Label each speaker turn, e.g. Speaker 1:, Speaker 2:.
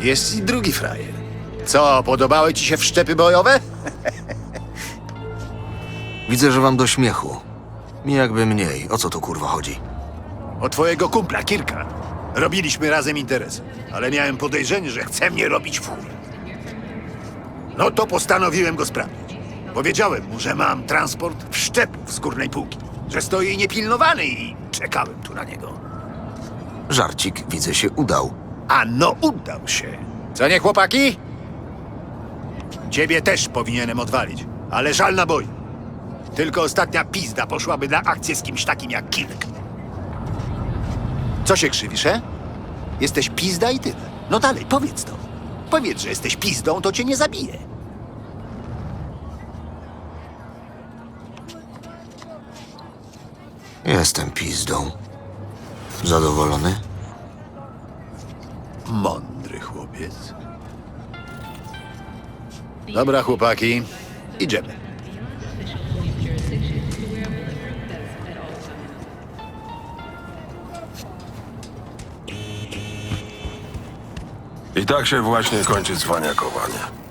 Speaker 1: Jest i drugi frajer. Co, podobały ci się wszczepy bojowe?
Speaker 2: Widzę, że wam do śmiechu. Mi jakby mniej. O co tu kurwa chodzi?
Speaker 1: O twojego kumpla, Kirka. Robiliśmy razem interes, ale miałem podejrzenie, że chce mnie robić w chuj. No to postanowiłem go sprawdzić. Powiedziałem mu, że mam transport wszczepów z górnej półki, że stoi niepilnowany i czekałem tu na niego.
Speaker 2: Żarcik, widzę, się udał.
Speaker 1: A no, udał się. Co nie, chłopaki? Ciebie też powinienem odwalić, ale żal naboi. Tylko ostatnia pizda poszłaby na akcję z kimś takim jak Kirk. Co się krzywisz, Jesteś pizda i tyle. No dalej, powiedz to. Powiedz, że jesteś pizdą, to cię nie zabije.
Speaker 2: Jestem pizdą. Zadowolony?
Speaker 1: Mądry chłopiec. Dobra, chłopaki, idziemy.
Speaker 3: I tak się właśnie kończy cwaniakowanie.